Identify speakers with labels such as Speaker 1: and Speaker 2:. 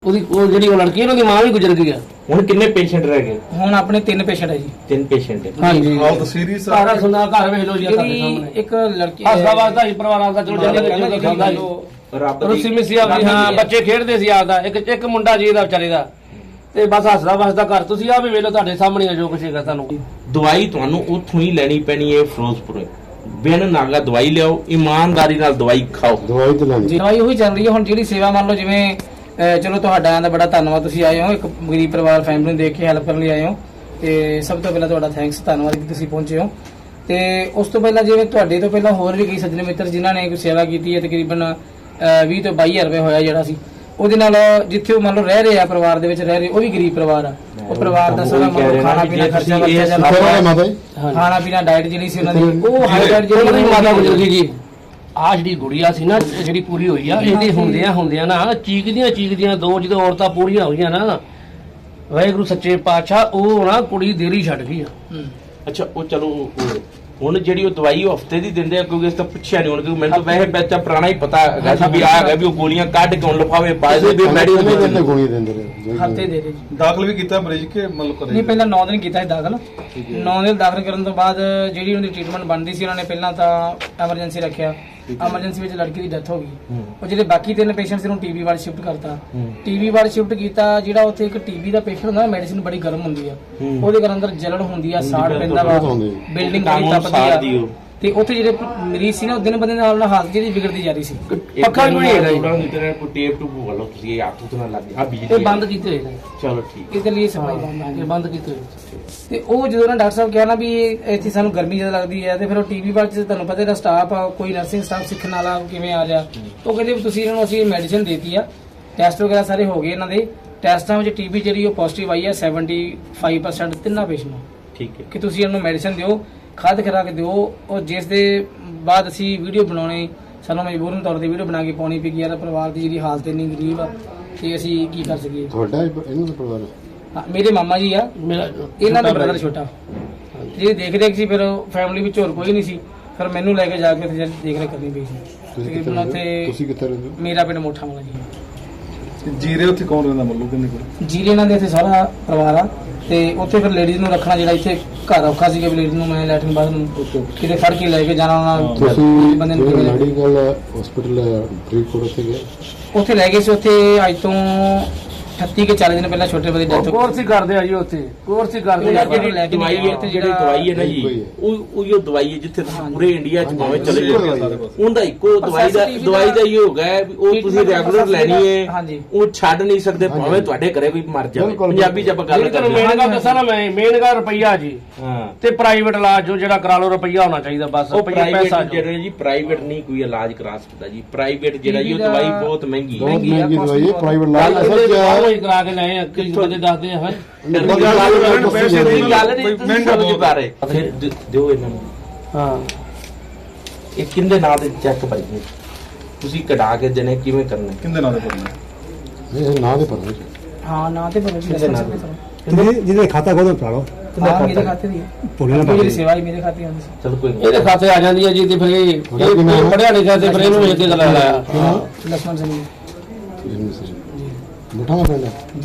Speaker 1: ਉਹਦੀ ਉਹ ਜਿਹੜੀ ਉਹ ਲੜਕੀ ਉਹਨਾਂ ਦੀ ਮਾਂ ਵੀ ਗੁਜ਼ਰ ਗਈ ਆ।
Speaker 2: ਹੁਣ ਕਿੰਨੇ ਪੇਸ਼ੈਂਟ ਰਹਿ ਗਏ?
Speaker 3: ਹੁਣ ਆਪਣੇ 3 ਪੇਸ਼ੈਂਟ ਹੈ ਜੀ।
Speaker 2: 3 ਪੇਸ਼ੈਂਟ ਹੈ।
Speaker 1: ਹਾਂਜੀ
Speaker 4: ਹਾਲਤ ਸੀਰੀਅਸ ਆ।
Speaker 1: ਸਾਰਾ ਸੁਣਾ ਘਰ ਵੇਖ ਲਓ ਜੀ ਸਾਡੇ
Speaker 3: ਜਿਹੜੀ
Speaker 1: ਸਾਹਮਣੇ।
Speaker 3: ਇੱਕ ਲੜਕੀ
Speaker 1: ਹੱਸਦਾ ਵਸਦਾ ਹੀ ਪਰਿਵਾਰ ਆਪਦਾ ਚਲੋ ਜਾਂਦੇ ਖਾਂਦਾ ਜੀ।
Speaker 2: ਰੱਬ
Speaker 1: ਰੁੱਸੀ ਮਿੱਸੀ ਆਪਦੀ ਹਾਂ ਬੱਚੇ ਖੇਡਦੇ ਸੀ ਆਪਦਾ ਇੱਕ ਮੁੰਡਾ ਜੀ ਦਾ ਵਿਚਾਰੇ ਦਾ ਤੇ ਬਸ ਹੱਸਦਾ ਵਸਦਾ ਘਰ। ਤੁਸੀਂ ਆ ਵੀ ਵੇਖ ਲਓ ਤੁਹਾਡੇ ਸਾਹਮਣੇ ਆ ਜੋ ਕੁਛ ਹੈਗਾ ਤੁਹਾਨੂੰ।
Speaker 2: ਦਵਾਈ ਤੁਹਾਨੂੰ ਉੱਥੋਂ ਹੀ ਲੈਣੀ ਪੈਣੀ ਹੈ ਫਿਰੋਜ਼ਪੁਰ। ਬਿਨ ਨਾਗਾ ਦਵਾਈ ਲਿਆਓ, ਇਮਾਨਦਾਰੀ ਨਾਲ ਦਵਾਈ ਖਾਓ।
Speaker 5: ਦਵਾਈ ਤੇ ਲੈਣੀ
Speaker 3: ਦਵਾਈ ਉਹੀ ਚੱਲ ਰਹੀ ਹੈ। ਹੁਣ ਜਿਹੜੀ ਸੇਵਾ ਮੰਨ ਲਓ ਜਿਵੇਂ ਚਲੋ ਤੁਹਾਡਾ ਦਾ ਬੜਾ ਧੰਨਵਾਦ, ਤੁਸੀਂ ਆਏ ਹੋ ਇੱਕ ਗਰੀਬ ਪਰਿਵਾਰ ਫੈਮਿਲੀ ਨੂੰ ਦੇਖ ਕੇ ਹੈਲਪ ਕਰਨ ਲਈ ਆਏ ਹੋ ਤੇ ਸਭ ਤੋਂ ਪਹਿਲਾਂ ਤੁਹਾਡਾ ਥੈਂਕਸ, ਧੰਨਵਾਦ ਕਿ ਤੁਸੀਂ ਪਹੁੰਚੇ ਹੋ। ਤੇ ਉਸ ਤੋਂ ਪਹਿਲਾਂ ਜਿਵੇਂ ਤੁਹਾਡੇ ਤੋਂ ਪਹਿਲਾਂ ਹੋਰ ਵੀ ਕਈ ਸੱਜਣ ਮਿੱਤਰ ਜਿਨ੍ਹਾਂ ਨੇ ਕੋਈ ਸੇਵਾ ਕੀਤੀ ਹੈ, ਤਕਰੀਬਨ 20 ਤੋਂ 22,000 ਰੁਪਏ ਹੋਇਆ ਜਿਹੜਾ ਸੀ ਉਹਦੇ ਨਾਲ, ਜਿੱਥੇ ਉਹ ਮੰਨ ਲਓ ਰਹਿ ਰਹੇ ਆ ਪਰਿਵਾਰ ਦੇ ਵਿੱਚ ਰਹਿ ਰਹੇ, ਉਹ ਵੀ ਗਰੀਬ ਪਰਿਵਾਰ ਆ। ਉਹ ਪਰਿਵਾਰ ਦਾ ਸਾਰਾ ਖਾਣਾ ਪੀਣਾ ਖਰਚਾ ਵਰਤਿਆ ਜਾਂਦਾ, ਖਾਣਾ ਪੀਣਾ ਡਾਈਟ ਜਿਹੜੀ ਸੀ ਉਹਨਾਂ ਦੀ ਉਹ ਹਾਈ ਡਾਈਟ ਜਿਹੜੀ
Speaker 1: ਮਾਤਾ ਗੁਜ਼ਰ ਗਈ ਜੀ। ਆ ਜਿਹੜੀ ਗੁੜੀਆ ਸੀ ਨਾ ਜਿਹੜੀ ਪੂਰੀ ਹੋਈ ਆ, ਇਹਦੇ ਹੁੰਦਿਆਂ ਨਾ ਚੀਕਦੀਆਂ ਦੋ ਜਦੋਂ ਔਰਤਾਂ ਪੂਰੀਆਂ ਹੋਈਆਂ ਨਾ, ਵਾਹਿਗੁਰੂ ਸੱਚੇ ਪਾਤਸ਼ਾਹ ਉਹ ਨਾ ਕੁੜੀ ਦੇਰੀ ਛੱਡ ਗਈ ਆ।
Speaker 2: ਅੱਛਾ ਉਹ ਚਲੋ ਹੁਣ ਜਿਹੜੀ ਉਹ ਦਵਾਈ ਉਹ ਹਫਤੇ ਦੀ ਦਿੰਦੇ ਆ, ਕਿਉਂਕਿ ਇਸ ਤਾਂ ਪੁੱਛਿਆ ਨਹੀਂ ਹੁਣ, ਕਿਉਂਕਿ ਮੈਨੂੰ ਤਾਂ ਵੈਸੇ ਬੱਚਾ ਪੁਰਾਣਾ ਹੀ ਪਤਾ ਹੈਗਾ ਸੀ ਵੀ ਆ ਹੈਗਾ ਵੀ ਉਹ ਗੋਲੀਆਂ ਕੱਢ ਕੇ ਹੁਣ ਲਿਫਾਵੇ ਪਾਏ ਦੇ ਵੀ ਮੈਡੀਕਲ
Speaker 5: ਗੋਲੀ ਦਿੰਦੇ ਰਹੇ।
Speaker 3: ਹਫਤੇ ਦੇ ਰਹੇ ਜੀ।
Speaker 4: ਦਾਖਲ ਵੀ ਕੀਤਾ ਮਰੀਜ਼ ਕੇ ਮਤਲਬ ਕਰੇ?
Speaker 3: ਨਹੀਂ, ਪਹਿਲਾਂ 9 ਦਿਨ ਕੀਤਾ ਸੀ ਦਾਖਲ। 9 ਦਿਨ ਦਾਖਲ ਕਰਨ ਤੋਂ ਬਾਅਦ ਜਿਹੜੀ ਉਹਦੀ ਟ੍ਰੀਟਮੈਂਟ ਬਣਦੀ ਸੀ ਉਹਨਾਂ ਨੇ ਪਹਿਲਾਂ ਤਾਂ ਐਮਰਜੈਂਸੀ ਰੱਖਿਆ। ਐਮਰਜੈਂਸੀ ਵਿੱਚ ਲੜਕੀ ਦੀ ਡੈਥ ਹੋ ਗਈ। ਉਹ ਜਿਹੜੇ ਬਾਕੀ 3 ਪੇਸ਼ੈਂਟ ਸੀ ਉਹਨੂੰ ਟੀਬੀ ਵਾਰਡ ਸ਼ਿਫਟ ਕਰਤਾ। ਟੀਬੀ ਵਾਰਡ ਸ਼ਿਫਟ ਕੀਤਾ। ਜਿਹੜਾ ਉੱਥੇ ਇੱਕ ਟੀਬੀ ਦਾ ਪੇਸ਼ੈਂਟ ਹੁੰਦਾ, ਮੈਡੀਸਿਨ ਬੜੀ ਗਰਮ ਹੁੰਦੀ ਆ, ਉਹਦੇ ਘਰ ਅੰਦਰ ਜਲਣ ਹੁੰਦੀ ਆ, ਸਾੜ ਪੈਂਦਾ ਵਾ, ਬਿਲਡਿੰਗ ਬੜੀ ਤਪਦੀ ਆ। ਤੇ ਉੱਥੇ ਜਿਹੜੇ ਮਰੀਜ਼ ਸੀ ਨਾ ਉਹ ਦਿਨ ਬੰਦੇ ਨਾਲ ਹਾਲਤ ਜਿਹੜੀ ਵਿਗੜਦੀ ਜਾ ਰਹੀ ਸੀ।
Speaker 1: ਪੱਖਾ ਵੀ ਨਹੀਂ ਹੈਗਾ ਜੀ।
Speaker 2: ਕੋਈ ਟੇਪ ਟੂਪ ਵਾਲੋ ਤੁਸੀਂ ਇਹ ਹੱਥ ਤੋਂ ਨਾ ਲੱਗ ਆ ਬਿਜਲੀ
Speaker 1: ਇਹ ਬੰਦ ਕੀਤੇ ਹੋਏ ਨੇ।
Speaker 2: ਚਲੋ ਠੀਕ
Speaker 3: ਇਹਦੇ ਲਈ ਸਫਾਈ ਬੰਦ ਆ।
Speaker 1: ਇਹ ਬੰਦ ਕੀਤੇ ਹੋਏ।
Speaker 3: ਤੇ ਉਹ ਜਦੋਂ ਨਾ ਡਾਕਟਰ ਸਾਹਿਬ ਕਿਹਾ ਨਾ ਵੀ ਇੱਥੇ ਸਾਨੂੰ ਗਰਮੀ ਜ਼ਿਆਦਾ ਲੱਗਦੀ ਹੈ, ਤੇ ਫਿਰ ਉਹ ਟੀਵੀ ਵਾਰਡ 'ਚ ਤੁਹਾਨੂੰ ਪਤਾ ਇਹਦਾ ਸਟਾਫ ਆ, ਕੋਈ ਨਰਸਿੰਗ ਸਟਾਫ ਸਿੱਖਣ ਵਾਲਾ ਕਿਵੇਂ ਆ ਰਿਹਾ, ਉਹ ਕਹਿੰਦੇ ਵੀ ਤੁਸੀਂ ਇਹਨਾਂ ਨੂੰ ਅਸੀਂ ਮੈਡੀਸਿਨ ਦੇਤੀ ਆ, ਟੈਸਟ ਵਗੈਰਾ ਸਾਰੇ ਹੋ ਗਏ ਇਹਨਾਂ ਦੇ। ਟੈਸਟਾਂ ਵਿੱਚ ਟੀਬੀ ਜਿਹੜੀ ਉਹ ਪੋਜ਼ਿਟਿਵ ਆਈ ਹੈ 75% 3 ਪੇਸ਼ੈਂਟ ਨੂੰ।
Speaker 2: ਠੀਕ ਹੈ
Speaker 3: ਕਿ ਤੁਸੀਂ ਇਹਨਾਂ ਨੂੰ ਮੈਡੀਸਿਨ ਦਿਓ, ਖਾਦ ਖੁਰਾਕ ਦਿਓ। ਉਹ ਜਿਸ ਦੇ ਬਾਅਦ ਅਸੀਂ ਵੀਡੀਓ ਬਣਾਉਣੀ, ਸਾਨੂੰ ਮਜਬੂਰਨ ਤੌਰ ਤੇ ਵੀਡੀਓ ਬਣਾ ਕੇ ਪਾਉਣੀ ਪਈ ਯਾਰ ਪਰਿਵਾਰ ਦੀ ਜਿਹੜੀ ਹਾਲਤ ਇੰਨੀ ਗਰੀਬ ਆ ਤੇ ਅਸੀਂ ਕੀ ਕਰ ਸਕੀਏ।
Speaker 5: ਤੁਹਾਡਾ ਇਹਨਾਂ ਦਾ ਪਰਿਵਾਰ?
Speaker 3: ਹਾਂ, ਮੇਰੇ ਮਾਮਾ ਜੀ ਆ,
Speaker 1: ਮੇਰਾ
Speaker 3: ਇਹਨਾਂ ਦਾ ਬ੍ਰਦਰ ਛੋਟਾ। ਜਿਹੜੇ ਦੇਖ ਰੇਖ ਸੀ, ਫਿਰ ਫੈਮਿਲੀ ਵਿੱਚ ਹੋਰ ਕੋਈ ਨਹੀਂ ਸੀ, ਫਿਰ ਮੈਨੂੰ ਲੈ ਕੇ ਜਾ ਕੇ ਉੱਥੇ ਦੇਖ ਰੇਖ ਕਰਨੀ ਪਈ ਸੀ।
Speaker 5: ਤੁਸੀਂ ਕਿੱਥੇ ਰਹਿੰਦੇ ਹੋ?
Speaker 3: ਮੇਰਾ ਪਿੰਡ ਮੋਠਾ ਵਾਲਾ ਜੀ।
Speaker 4: ਜੀਰੇ ਉੱਥੇ ਕੌਣ ਰਹਿੰਦਾ ਮਤਲਬ ਕਿੰਨੇ ਕੋਲ?
Speaker 3: ਜੀਰੇ ਇਹਨਾਂ ਦੇ ਇੱਥੇ ਸਾਰਾ ਪਰਿਵਾਰ ਆ ਤੇ ਉੱਥੇ ਫਿਰ ਲੇਡੀਜ਼ ਨੂੰ ਰੱਖਣਾ ਜਿਹੜਾ ਇੱਥੇ ਘਰ ਔਖਾ ਸੀ ਕਿ ਲੇਡੀਜ਼ ਨੂੰ ਮੈਂ ਲੈਟਰਿਨ ਬਾਥਰੂਮ ਕਿਤੇ ਫੜ ਕੇ ਲੈ ਕੇ ਜਾਣਾ
Speaker 5: ਤੁਸੀਂ
Speaker 3: ਬੰਦੇ ਨੂੰ ਕਿਵੇਂ
Speaker 5: ਮੈਡੀਕਲ ਹਸਪੀਟਲ ਫਰੀਦਕੋਟ ਉੱਥੇ ਗਏ?
Speaker 3: ਉੱਥੇ ਲੈ ਗਏ ਸੀ। ਉੱਥੇ ਅੱਜ ਤੋਂ 38 ਕੇ 40 ਦਿਨ ਪਹਿਲਾਂ ਛੋਟੇ ਬੰਦੇ ਦੀ ਡੈਥ
Speaker 1: ਕੋਰਸ ਹੀ ਕਰਦੇ ਆ ਜੀ ਉੱਥੇ, ਕੋਰਸ ਹੀ ਕਰਦੇ ਆ।
Speaker 2: ਜਿਹੜੀ ਦਵਾਈ ਹੈ ਤੇ ਜਿਹੜੀ ਦਵਾਈ ਹੈ ਨਾ ਜੀ, ਉਹ ਦਵਾਈ ਹੈ ਜਿੱਥੇ ਤੁਸੀਂ ਪੂਰੇ ਇੰਡੀਆ 'ਚ ਭਾਵੇਂ ਚਲੇ ਜਾਓ, ਉਹਦਾ ਇੱਕੋ ਦਵਾਈ ਦਾ ਹੀ ਹੋ ਗਿਆ ਵੀ ਉਹ ਤੁਸੀਂ ਰੈਗੂਲਰ ਲੈਣੀ ਹੈ, ਉਹ ਛੱਡ ਨਹੀਂ ਸਕਦੇ ਭਾਵੇਂ ਤੁਹਾਡੇ ਘਰੇ ਵੀ ਮਰ ਜਾਵੇ। ਪੰਜਾਬੀ 'ਚ ਆਪਾਂ ਗੱਲ ਕਰਦੇ
Speaker 1: ਮੇਨ ਗੱਲ ਦੱਸਾਂ ਨਾ ਮੈਂ, ਮੇਨ ਗੱਲ ਰੁਪਈਆ ਜੀ।
Speaker 2: ਹਾਂ,
Speaker 1: ਤੇ ਪ੍ਰਾਈਵੇਟ ਇਲਾਜ ਜੋ ਜਿਹੜਾ ਕਰਾ ਲਓ ਰੁਪਈਆ ਹੋਣਾ ਚਾਹੀਦਾ ਬਸ।
Speaker 2: ਉਹ ਪ੍ਰਾਈਵੇਟ ਜਿਹੜੇ ਜੀ ਪ੍ਰਾਈਵੇਟ ਨਹੀਂ ਕੋਈ ਇਲਾਜ ਕਰਾ ਸਕਦਾ ਜੀ। ਪ੍ਰਾਈਵੇਟ ਜਿਹੜਾ ਜੀ ਉਹ ਦਵਾਈ ਬਹੁਤ ਮਹਿੰਗੀ
Speaker 5: ਬਹੁਤ ਮਹਿੰਗੀ ਦਵਾਈ ਹੈ ਪ੍ਰਾਈਵੇਟ ਇਲਾਜ।
Speaker 1: ਕਰਾ ਕੇ ਲਏ ਕਿਸ ਬੰਦੇ ਦੱਸਦੇ ਆ
Speaker 2: ਗੱਲ ਨਹੀਂ ਮਹਿੰਗਾ ਬਹੁਤ ਆ ਰਹੇ। ਫਿਰ ਦਿਓ ਇਹਨਾਂ ਨੂੰ।
Speaker 1: ਹਾਂ,
Speaker 2: ਇਹ ਕਿੰਦੇ ਨਾਂ ਦੇ ਚੈੱਕ ਭਾਈ ਜੀ ਤੁਸੀਂ ਕਢਾ ਕੇ ਦੇਣੇ ਕਿਵੇਂ ਕਰਨੇ?
Speaker 4: ਕਿੰਦੇ ਨਾਂ ਦੇ ਕਰਨੇ?
Speaker 5: ਨਹੀਂ ਨਾਂ ਦੇ ਪਰ
Speaker 3: ਹਾਂ ਨਾਂ ਤੇ ਪਤਾ
Speaker 6: ਜਿਹਦੇ ਖਾਤਾ ਖੋਲੋ ਪੜਾ ਲਓ।
Speaker 3: ਹਾਂ, ਮੇਰੇ ਖਾਤੇ ਦੀ ਮੇਰੀ ਸੇਵਾ ਹੀ ਮੇਰੇ ਖਾਤੇ ਆਉਂਦੀ ਸੀ।
Speaker 2: ਚਲੋ ਕੋਈ ਨਹੀਂ,
Speaker 1: ਇਹਦੇ ਖਾਤੇ ਆ ਜਾਂਦੀ ਹੈ ਜੀ। ਤੇ ਫਿਰ ਇਹ ਪੜਿਆ ਲਿਖਿਆ ਤੇ ਫਿਰ ਇਹਨੂੰ ਇੱਕ ਗੱਲ ਲਾਇਆ
Speaker 3: ਲక్ష్మణ ਸਿੰਘ
Speaker 5: ਮੁੱਠਾ ਪਿੰਡ